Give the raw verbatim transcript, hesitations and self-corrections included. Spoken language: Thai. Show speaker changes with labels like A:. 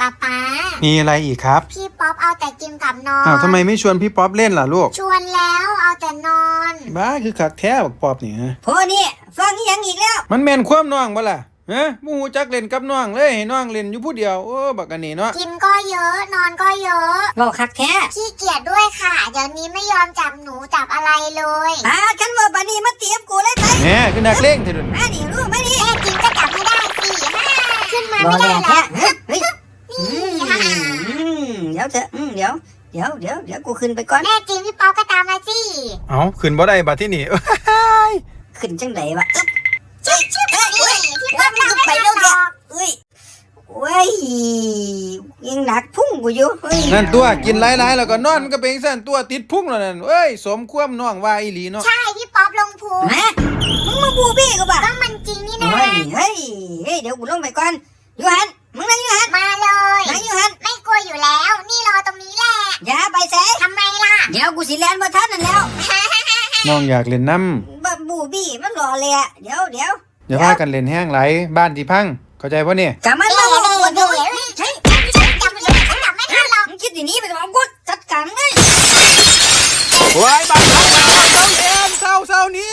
A: ป๊าป๊า
B: มีอะไรอีกครับ
A: พี่ป๊อปเอาแต่กินกับนอน
B: อ้าวทำไมไม่ชวนพี่ป๊อปเล่นล่ะลูก
A: ชวนแล้วเอาแต่นอน
B: บ้าคือขักแท้บักป๊อปนี่ฮะ
C: พอนี่ฟังอีหยังอีกแล้ว
B: มันแม่นความน้องบ่ล่ะฮะบ่ฮู้จักเล่นกับน้องเลยให้น้องเล่นอยู่ผู้เดียวโอ้บักอันนี้เนาะ
A: กินก็เยอะนอนก็เยอะ
C: เว้าคักแท้
A: ขี้เกียจด้วยค่ะเดี๋ยวนี้ไม่ยอมจับหนูจับอะไรเลย
C: อ่าคันว่าบัดนี้มาเตรียมกูเลยไป
B: แหมคือนักเลงเถิด
C: มานี่รู้มานี่
A: แม่กินก็จับให้ได้สิขึ้นมาไม่ได้แล้ว
C: เฮ้ยเดี๋ยวเถอะเดี๋ยวเดี๋ยวเดี๋ยวเดี๋ยวกูขึ้นไปก่อน
A: แม่จริงพี่ป๊อปก็ตามมาสิ
B: เอ้าขึ้นบ่ได้บัดที่นี่
C: ขึ้นจังไดวะอึ๊บ
A: ชิบชิบนี่พี่ป๊อปตามไม่ทันหรอก
C: เอ้ยเว้ยยังหนักพุ่งกูอยู่เฮ้ย
B: นั่นตัวกินหลายๆแล้วก็นอนมันก็เป็นซั่นตัวติดพุงแล้วนั่นเอ้ยสมความน้องว่าอีหลีเนาะ
A: ใช่พี่ป๊อปลงพุง
C: ฮะมึงมาบูบี้กูป่ะ
A: ก็มันจริงนี่นะ
C: เฮ้ยเฮ้ยเฮ้ยเดี๋ยวกูลงไปก่อนยูฮันมึงนั่งยูฮัน
A: มาเลย
C: นั่งยูฮัน
A: ไม่กลัวอยู่แล้วนี่รอตรงนี้แหละ
C: อย่าไปเส
A: ทำไมล่ะ
C: เดี๋ยวกูสิแลนมาทันนั่นแล้ว
B: น้องอยากเล่นน้ำ
C: บับูบี้มันรอเลยอะเดี๋ยวเดี๋ยว
B: อย่าพากันเล่นแห้งไหลบ้านที่พังเข้าใจป่ะเนี่ย
C: กลับมา
A: เดี๋
C: เล่
A: ย
C: น
A: วเดี๋ยวเดี๋ยวใช่ฉันจับฉันจับไม่ทันหรอก
C: มึงคิดอย่างนี้ไปบอกกูจัดการเลย
B: โอ้ยบ้านพังแล้วต้องเอ็นเศร้าเศร้านี้